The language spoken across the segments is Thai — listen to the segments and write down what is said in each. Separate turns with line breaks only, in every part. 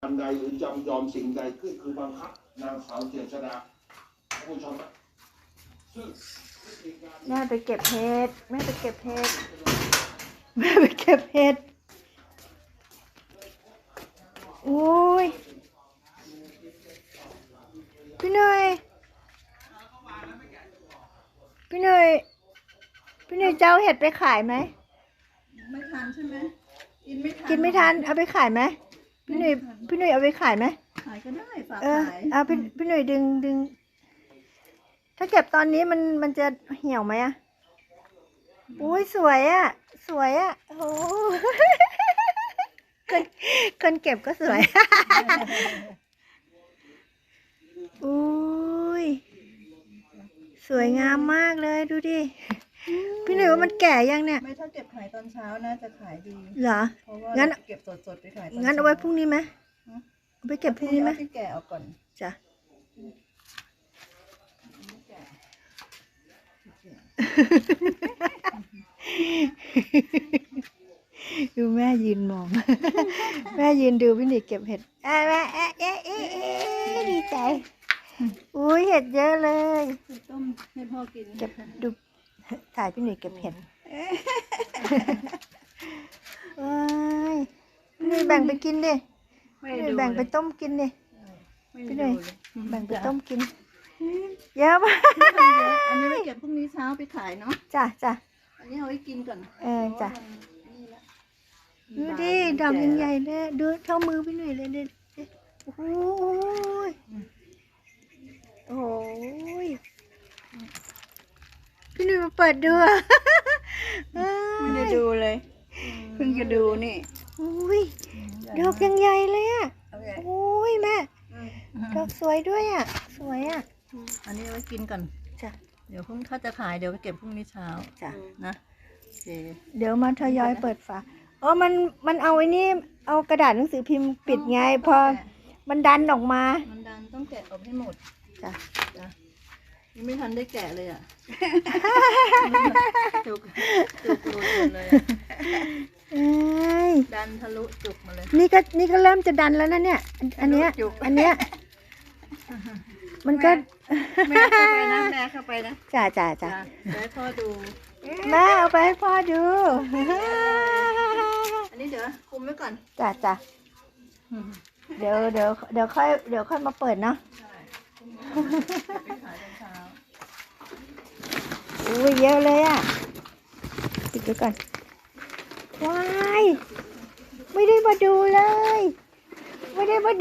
อันใดหรือจำยอมสิ่งใดขึ้นคือบังคับนางสาวเจษฎาผู้ชมนะซึ่ง
แม่ไปเก็บเห็ดแม่ไปเก็บเห็ดแม่ไปเก็บเห็ดโอ้ยพี่หน่อยพี่หน่อยพี่หน่อยเจ้าเห็ดไปขายไหม
ไม่ทันใช่ไหมกินไม่ทัน
กินไม่ทันเอาไปขายไหมพี่หน่อยเอาไปขายไหม
ขายก็ได้ฝากขาย
เอาพี่หน่อยดึงถ้าเก็บตอนนี้มันจะเหี่ยวไหมอ่ะอุ้ยสวยอ่ะสวยอ่ะโอ้คนเก็บก็สวยอุ้ยสวยงามมากเลยดูดิพี่หน่อยว่ามันแก่ยังเนี่ย
ไม่ถ้าเก็บขายตอนเช้าน่าจะขายดี
เหรอ
เพราะว่า
งั้น
เก็บสดๆไปขายตอน
งั้นเอาไว้พรุ่งนี้ไหมเอาไปเก็บพรุ่งนี้ไหม
ที่แก่เอาก่อน
จ้ะดูแม่ยืนมองแม่ยืนดูพี่หนิเก็บเห็ดแม่ดีใจอุ้ยเห็ดเยอะเลย
ต้มให้พ่อกิน
เก็บดูถ่ายพี่หนิเก็บเห็ดพี่หนิแบ่งไปกินดิพี่หนิแบ่งไปต้มกินดิพี่หนิแบ่งไปต้มกินเยอะมาก
อันนี้ไม่เก็บพรุ่งนี้เช้าไปขายเนาะ
จ้ะ
อันนี้เอาไว้กินก่อน
จ้ะดูดิดอกใหญ่ๆเลยดูเท่ามือพี่หนุ่ยเลยโอ้โหโอ้ยพี่หนุ่ยมาเปิดดู
ไม่ได้ดูเลยเพิ่งจะดูนี่
อุ้ยดอกยังใหญ่เลยอ่ะโอ้ยแม่ดอกสวยด้วยอ่ะสวยอ่ะ
อันนี้เอาไว้กินก่อน
จ้ะ
เดี๋ยวพรุ่งถ้าจะขายเดี๋ยวไปเก็บพรุ่งนี้เช้า
จ้ะ
นะโอเค
เดี๋ยวมาทยอยเปิดฝามันเอาไอ้นี่เอากระดาษหนังสือพิมพ์ปิดไงพอมันดันออกมา
มันดันต้องแกะออกให้หมด
จ้ะ
ยังไม่ทันได้แกะเลยอ่ะจุกหลุดเลยดันทะลุจุกมาเลย
นี่ก็เริ่มจะดันแล้วนะเนี่ยอันเนี้ยมันก็
แม่เข้าไปนะแม่เข้าไปนะ
จ้ะ
ให้พ่อดู
แม่เอาไปให้พ่อดู
อันนี้เดี๋ยวคุมไว้ก่อน
จ้ะเดี๋ยวค่อยมาเปิดเนาะอุ้ยเยอะเลยอ่ะปิดไว้ก่อนว้ายไม่ได้มาดูเลยปิดไว้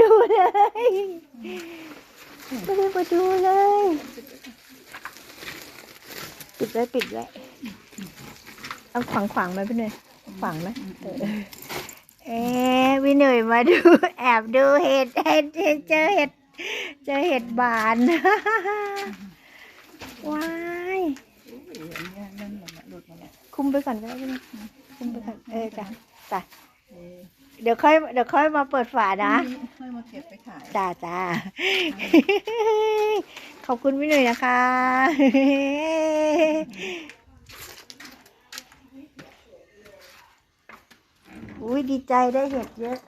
เอาขวางไหมพี่หน่อยขวางไหมพี่หน่อยมาดูแอบดูเห็ดเจอเห็ดบานว้ายคุมไปก่อนก็ได้พี่คุมไปก่อนจ้ะเดี๋ยวค่อยมาเปิดฝานะ
ค่อยมาเก็บไปขาย
จ้าขอบคุณพี่หน่อยนะคะอุ้ยดีใจได้เห็ดเยอะ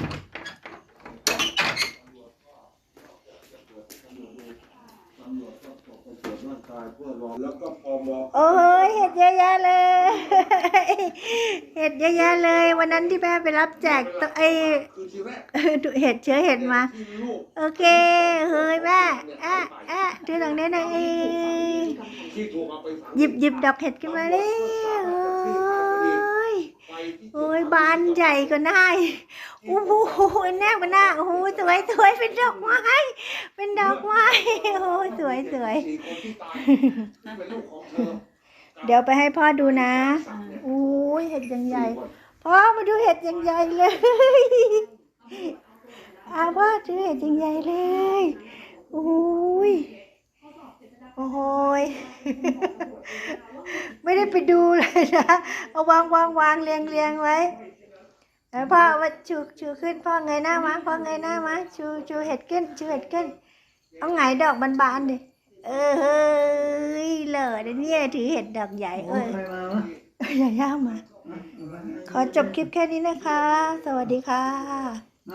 โอ้ยเห็ดเยอะแยะเลยเห็ดเยอะแยะเลยวันนั้นที่แม่ไปรับแจกไอเห็ดเชื้อเห็ดมาโอเคเฮ้ยแม่ดูหลังนี้หน่อยหยิบดอกเห็ดขึ้นมาเลยโอ้ยบานใหญ่กว่าหน้าโอ้โหแนบกว่าหน้าโอ้โหสวยเป็นดอกไม้โอ้สวยเดี๋ยวไปให้พ่อดูนะโอ้ยเห็ดยังใหญ่พ่อมาดูเห็ดยังใหญ่เลยพ่อดูเห็ดยังใหญ่เลยโอ้ยไม่ได้ไปดูเลยนะเอาวางเรียงไว้พ่อว่าชูขึ้นพ่อเงยหน้ามาชูเห็ดขึ้นเอาไงดอกบานๆดิเฮ้ยเหล่อเนี่ยถือเห็ดดอกใหญ่อย่าย่ามาขอจบคลิปแค่นี้นะคะสวัสดีค่ะ